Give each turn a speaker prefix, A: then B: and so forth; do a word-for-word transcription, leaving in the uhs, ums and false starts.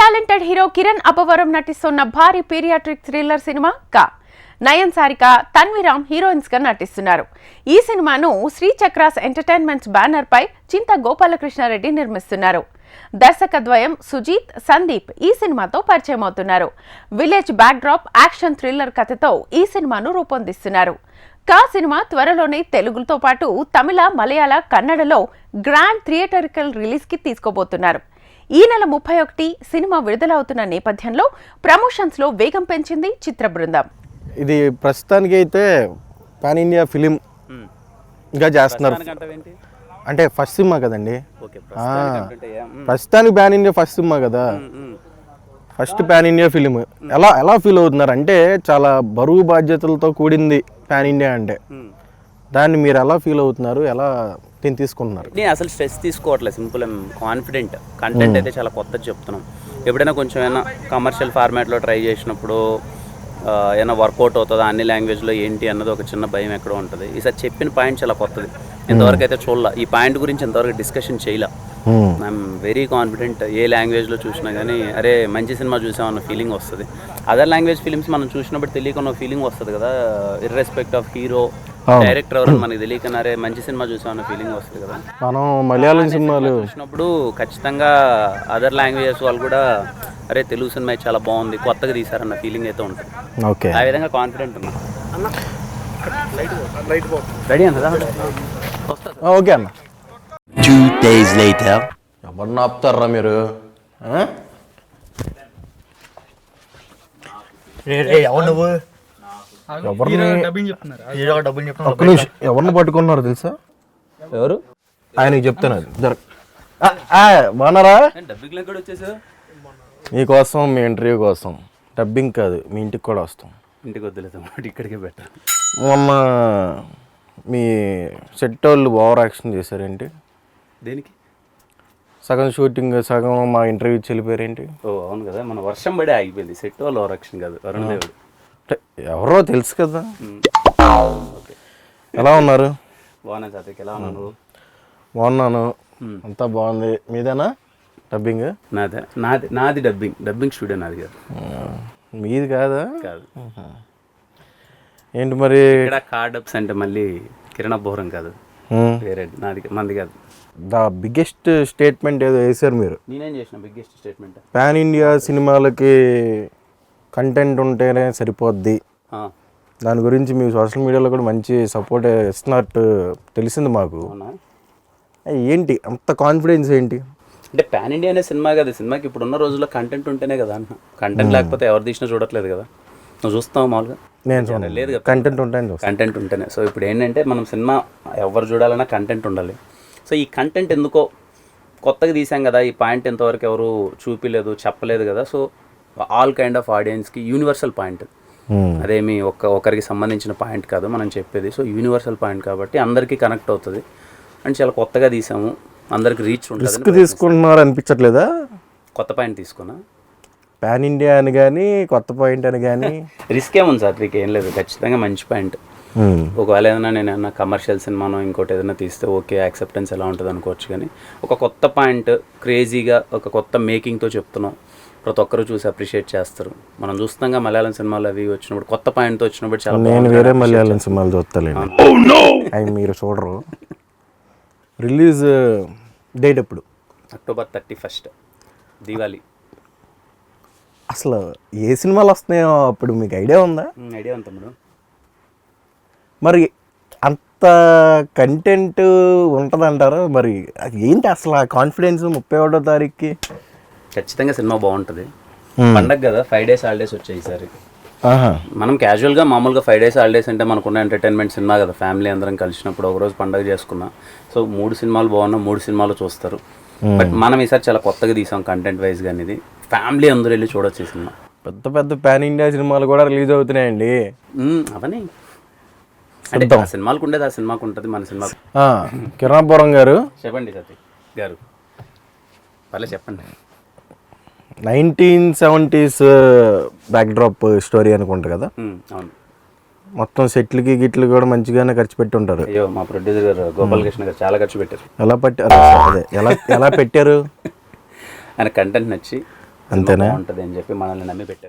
A: Talented hero Kiran Abbavaram నటిస్తున్న భారీ paediatric thriller cinema కా నయన్ సారిక తన్విరామ్ హీరోయిన్స్ గా నటిస్తున్నారు. ఈ సినిమాను శ్రీ చక్రాస్ ఎంటర్టైన్మెంట్స్ బ్యానర్ పై చింత గోపాలకృష్ణారెడ్డి నిర్మిస్తున్నారు. దర్శకద్వయం సుజీత్, సందీప్ ఈ సినిమాతో పరిచయం అవుతున్నారు. Village backdrop action thriller కథతో ఈ సినిమాను రూపొందిస్తున్నారు. కా సినిమా త్వరలోనే తెలుగుతో పాటు తమిళ, మలయాళ, కన్నడలో గ్రాండ్ థియేటరికల్ రిలీజ్ కి తీసుకోబోతున్నారు. ఈ నెల ముప్పై ఒకటి సినిమా విడుదలవుతున్న నేపథ్యంలో ప్రమోషన్స్ లో వేగం పెంచింది చిత్ర బృందం.
B: ఇది ప్రస్తుతానికి అయితే పాన్ ఇండియా ఫిలిం గా చేస్తున్నారు. అంటే ఫస్ట్ సినిమా కదండి, ప్రస్తుతానికి పాన్ ఇండియా ఫస్ట్ సినిమా కదా, ఫస్ట్ పాన్ ఇండియా ఫిలిం. ఎలా ఎలా ఫీల్ అవుతున్నారు అంటే చాలా బరువు బాధ్యతలతో కూడింది పాన్ ఇండియా అంటే, దాన్ని మీరు ఎలా ఫీల్ అవుతున్నారు, ఎలా దీన్ని తీసుకుంటున్నారు?
C: నేను అసలు స్ట్రెస్ తీసుకోవట్లేదు, సింపుల్ అండ్ కాన్ఫిడెంట్. కంటెంట్ అయితే చాలా కొత్తది చెప్తున్నాం. ఎప్పుడైనా కొంచెం ఏమైనా కమర్షియల్ ఫార్మాట్లో ట్రై చేసినప్పుడు ఏమైనా వర్కౌట్ అవుతుందా అన్ని లాంగ్వేజ్లో ఏంటి అన్నది ఒక చిన్న భయం ఎక్కడో ఉంటుంది. ఈసారి చెప్పిన పాయింట్ చాలా కొత్తది, ఇంతవరకు అయితే చూడాల. ఈ పాయింట్ గురించి ఇంతవరకు డిస్కషన్ చేయలే. I'm very confident. ఏ లాంగ్వేజ్లో చూసినా కానీ అరే మంచి సినిమా చూసామన్న ఫీలింగ్ వస్తుంది. అదర్ లాంగ్వేజ్ ఫిలిమ్స్ మనం చూసినప్పుడు తెలియకున్న ఫీలింగ్ వస్తుంది కదా, ఇర్రెస్పెక్ట్ ఆఫ్ హీరో డైరెక్టర్ ఎవరు మనకి తెలియకన్నారే మంచి సినిమా చూసామన్న ఫీలింగ్ వస్తుంది కదా.
B: మనం మలయాళం సినిమాలు
C: చూసినప్పుడు ఖచ్చితంగా అదర్ లాంగ్వేజెస్ వాళ్ళు కూడా అరే తెలుగు సినిమా చాలా బాగుంది, కొత్తగా తీసారన్న ఫీలింగ్ అయితే ఉంటుంది.
B: ఓకే,
C: ఆ విధంగా కాన్ఫిడెంట్ ఉన్నా. రెడీ అన్న?
B: ఓకే అన్న.
D: Two days later.
B: ఎవరిని ఆపుతారా మీరు? ఎవరిని పట్టుకున్నారు తెలుసా?
C: ఎవరు?
B: ఆయనకి చెప్తాను. బాగున్నారా? మీకోసం, మీ ఇంటర్వ్యూ కోసం. డబ్బింగ్ కాదు, మీ ఇంటికి కూడా వస్తాం.
C: ఇంటికి వద్దులేదు, ఇక్కడికే పెట్టారు.
B: మొన్న మీ సెట్ వాళ్ళు ఓవర్ యాక్షన్ చేశారేంటి?
C: దేనికి?
B: సగం షూటింగ్, సగం మా ఇంటర్వ్యూ చెల్లిపోయారేంటి?
C: ఓ అవును కదా, మన వర్షం పడే ఆగిపోయింది. సెట్ వాళ్ళు ఓవర్ యాక్షన్ కాదు, వరుణ్ దేవుడు.
B: ఎవరో తెలుసు కదా. ఎలా ఉన్నారు?
C: బాగున్నాను సాత్విక్, ఎలా ఉన్నాను?
B: బాగున్నాను, అంతా బాగుంది. మీదేనా డబ్బింగ్?
C: నాదే నాది నాది డబ్బింగ్ డబ్బింగ్ స్టూడియో నాది కాదు.
B: మీది కాదా?
C: కాదు.
B: ఏంటి మరి
C: ఇక్కడ కార్ డబ్స్ అంటే మళ్ళీ కిరణ్ అబ్బవరం కాదు, వేరే నాది, మంది కాదు.
B: ద బిగ్గెస్ట్ స్టేట్మెంట్ ఏదో వేసారు మీరు.
C: నేనేం చేసిన బిగ్గెస్ట్ స్టేట్మెంట్?
B: పాన్ ఇండియా సినిమాలకి కంటెంట్ ఉంటేనే సరిపోద్ది. దాని గురించి మీ సోషల్ మీడియాలో కూడా మంచి సపోర్ట్ ఇస్తున్నట్టు తెలిసింది మాకు. ఏంటి అంత కాన్ఫిడెన్స్ ఏంటి?
C: అంటే పాన్ ఇండియా అనే సినిమా కదా, సినిమాకి ఇప్పుడున్న రోజుల్లో కంటెంట్ ఉంటేనే కదా అన్న. కంటెంట్ లేకపోతే ఎవరు తీసినా చూడట్లేదు కదా, నువ్వు చూస్తావు మామూలుగా.
B: నేను
C: లేదు కదా,
B: కంటెంట్ ఉంటేనే
C: కంటెంట్ ఉంటేనే. సో ఇప్పుడు ఏంటంటే మనం సినిమా ఎవరు చూడాలన్నా కంటెంట్ ఉండాలి. సో ఈ కంటెంట్ ఎందుకో కొత్తగా తీసాం కదా, ఈ పాయింట్ ఎంతవరకు ఎవరు చూపిలేదు, చెప్పలేదు కదా. సో ఆల్ కైండ్ ఆఫ్ ఆడియన్స్కి యూనివర్సల్ పాయింట్, అదేమి ఒక్క ఒకరికి సంబంధించిన పాయింట్ కాదు మనం చెప్పేది. సో యూనివర్సల్ పాయింట్ కాబట్టి అందరికీ కనెక్ట్ అవుతుంది. అండ్ చాలా కొత్తగా తీసాము, అందరికి రీచ్ ఉంటుంది.
B: రిస్క్ తీసుకుంటున్నారు అనిపించట్లేదా?
C: కొత్త పాయింట్ తీసుకున్నా,
B: పాన్ ఇండియా అని కానీ కొత్త పాయింట్ అని కానీ
C: రిస్క్ ఏముంది సార్? మీకు ఏం లేదు, ఖచ్చితంగా మంచి పాయింట్. ఒకవేళ ఏదైనా నేను ఏమన్నా కమర్షియల్ సినిమానో ఇంకోటి ఏదైనా తీస్తే ఓకే, యాక్సెప్టెన్స్ ఎలా ఉంటుంది అనుకోవచ్చు. కానీ ఒక కొత్త పాయింట్, క్రేజీగా ఒక కొత్త మేకింగ్తో చెప్తున్నాం, ప్రతి ఒక్కరు చూసి అప్రిషియేట్ చేస్తారు. మనం చూస్తాంగా మలయాళం సినిమాలు అవి వచ్చినప్పుడు కొత్త పాయింట్తో వచ్చినప్పుడు చాలా.
B: నేను వేరే మలయాళం సినిమాలు చూస్తాలేండి, అవి మీరు చూడరు. రిలీజ్ డేట్ ఎప్పుడు?
C: October thirty first Diwali.
B: అసలు ఏ సినిమాలు వస్తున్నాయో అప్పుడు మీకు ఐడియా ఉందా?
C: ఐడియా ఉంది తమ్ముడు.
B: మరి అంత కంటెంట్ ఉంటుందంటారు, మరి ఏంటి అసలు ఆ కాన్ఫిడెన్స్? ముప్పై ఒకటో తారీఖుకి
C: ఖచ్చితంగా సినిమా బాగుంటుంది. పండగ కదా, ఫైవ్ డేస్ హాలిడేస్ వచ్చాయి ఈసారి. మనం క్యాజువల్గా మామూలుగా ఫైవ్ డేస్ హాలిడేస్ అంటే మనకున్న ఎంటర్టైన్మెంట్ సినిమా కదా, ఫ్యామిలీ అందరం కలిసినప్పుడు ఒకరోజు పండగ చేసుకున్నాం. సో మూడు సినిమాలు బాగున్నా మూడు సినిమాలు చూస్తారు. బట్ మనం ఈసారి చాలా కొత్తగా తీసాం కంటెంట్ వైజ్ గా. ఇది ఫ్యామిలీ అందరూ వెళ్ళి చూడొచ్చు ఈ సినిమా.
B: పెద్ద పెద్ద పాన్ ఇండియా సినిమాలు కూడా రిలీజ్ అవుతున్నాయండి.
C: అవన్నీ అంటే ఆ సినిమాలకు ఉండేది ఆ సినిమాకు ఉంటుంది, మన సినిమా.
B: కిరణ్ అబ్బవరం గారు
C: చెప్పండి సతీ గారు, పర్లేదు చెప్పండి.
B: Nineteen seventies backdrop story అనుకుంటా కదా?
C: అవును.
B: మొత్తం సెట్లకి గిట్లు కూడా మంచిగానే ఖర్చు పెట్టి ఉంటారు.
C: అయ్యో మా ప్రొడ్యూసర్ గారు గోపాలకృష్ణ గారు చాలా ఖర్చు పెట్టారు.
B: ఎలా పెట్టారు? అదే ఎలా ఎలా పెట్టారు?
C: ఆయన కంటెంట్ నచ్చి
B: అంతేనా?
C: బాగుంటుంది అని చెప్పి మనల్ని నమ్మి పెట్టారు.